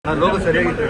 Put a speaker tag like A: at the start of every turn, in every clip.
A: Logo ಸರಿಯಾಗಿತ್ತು.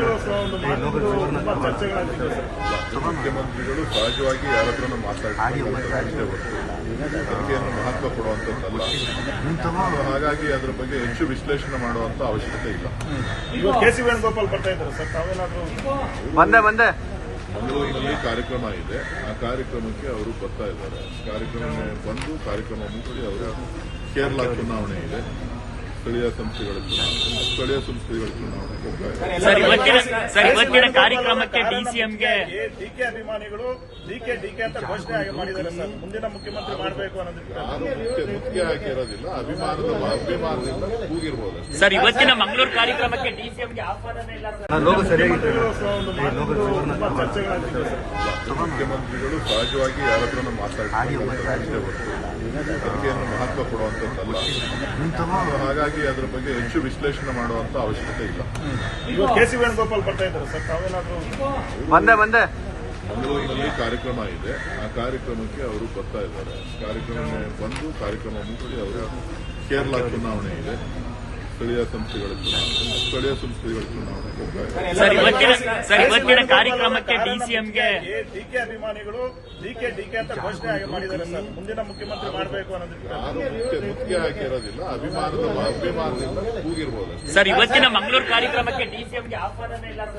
B: ಮುಖ್ಯಮಂತ್ರಿಗಳು ಸಹಜವಾಗಿ ಯಾರ ಹತ್ರನೂ ಮಾತಾಡೋದಕ್ಕೆ ಮಹತ್ವ ಕೊಡುವಂಥದ್ದಲ್ಲ. ಹಾಗಾಗಿ ಅದ್ರ ಬಗ್ಗೆ ಹೆಚ್ಚು ವಿಶ್ಲೇಷಣೆ ಮಾಡುವಂತ ಅವಶ್ಯಕತೆ ಇಲ್ಲ.
C: ಕೆ.ಸಿ. ವೇಣುಗೋಪಾಲ್ ಬರ್ತಾ ಇದ್ದಾರೆ ಸರ್, ತಾವೇನಾದ್ರೂ
A: ಬಂದೆ
B: ಮಂಗಳೂರಿನಲ್ಲಿ ಕಾರ್ಯಕ್ರಮ ಇದೆ, ಆ ಕಾರ್ಯಕ್ರಮಕ್ಕೆ ಅವರು ಬರ್ತಾ ಇದ್ದಾರೆ. ಕಾರ್ಯಕ್ರಮ ಮುಗಿಸಿ ಅವರು ಕೇರಳ ಚುನಾವಣೆ ಇದೆ, ಸ್ಥಳೀಯ ಸಂಸ್ಥೆಗಳ ಚುನಾವಣೆಗೆ ಹೋಗ್ತಾರೆ.
D: ಇವತ್ತಿನ ಕಾರ್ಯಕ್ರಮಕ್ಕೆ ಡಿಸಿಎಂಗೆ
C: ಡಿಕೆ ಅಭಿಮಾನಿಗಳು ಡಿಕೆ ಅಂತ ಘೋಷಣೆ ಮಾಡಿದ್ದಾರೆ ಸರ್. ಮುಂದಿನ ಮುಖ್ಯಮಂತ್ರಿ ಮಾಡಬೇಕು ಅನ್ನೋದಕ್ಕೆ
B: ಮುಖ್ಯ ಆಗಿರೋದಿಲ್ಲ, ಅಭಿಮಾನದಿಂದ ಕೂಗಿರ್ಬೋದು
D: ಸರ್. ಇವತ್ತಿನ ಮಂಗಳೂರು ಕಾರ್ಯಕ್ರಮಕ್ಕೆ ಡಿಸಿಎಂಗೆ ಆಹ್ವಾನನೇ ಇಲ್ಲ ಸರ್.
A: ಲೋಗೋ ಸರಿಯಾಗಿತ್ತು.
C: ಚರ್ಚೆಗಳಾಗ್ತಿದೆ ಸರ್.
B: ಮುಖ್ಯಮಂತ್ರಿಗಳು ಸಹಜವಾಗಿ ಯಾರ ಹತ್ರನೂ ಮಾತಾಡೋದಕ್ಕೆ ಮಹತ್ವ ಕೊಡುವಂಥದ್ದಲ್ಲ. ಹಾಗಾಗಿ ಅದ್ರ ಬಗ್ಗೆ ಹೆಚ್ಚು ವಿಶ್ಲೇಷಣೆ ಮಾಡುವಂತ ಅವಶ್ಯಕತೆ ಇಲ್ಲ.
C: ಕೆ.ಸಿ. ವೇಣುಗೋಪಾಲ್ ಬರ್ತಾ ಇದ್ದಾರೆ ಸರ್, ತಾವೇನಾದ್ರೂ
A: ಬಂದೆ
B: ಮಂಗಳೂರಿನಲ್ಲಿ ಕಾರ್ಯಕ್ರಮ ಇದೆ, ಆ ಕಾರ್ಯಕ್ರಮಕ್ಕೆ ಅವರು ಬರ್ತಾ ಇದ್ದಾರೆ. ಕಾರ್ಯಕ್ರಮ ಮುಗಿಸಿ ಅವರು ಕೇರಳ ಚುನಾವಣೆ ಇದೆ, ಸ್ಥಳೀಯ ಸಂಸ್ಥೆಗಳ ಚುನಾವಣೆಗೆ ಹೋಗ್ತಾರೆ.
D: ಇವತ್ತಿನ ಕಾರ್ಯಕ್ರಮಕ್ಕೆ ಡಿಸಿಎಂಗೆ
C: ಡಿಕೆ ಅಭಿಮಾನಿಗಳು ಡಿಕೆ ಅಂತ ಘೋಷಣೆ ಮಾಡಿದ್ದಾರೆ ಸರ್. ಮುಂದಿನ ಮುಖ್ಯಮಂತ್ರಿ ಮಾಡಬೇಕು ಅನ್ನೋದಕ್ಕೆ
B: ಮುಖ್ಯ ಆಗಿರೋದಿಲ್ಲ, ಅಭಿಮಾನದಿಂದ ಕೂಗಿರ್ಬೋದು
D: ಸರ್. ಇವತ್ತಿನ ಮಂಗಳೂರು ಕಾರ್ಯಕ್ರಮಕ್ಕೆ ಡಿಸಿಎಂಗೆ ಆಹ್ವಾನನೇ ಇಲ್ಲ ಸರ್.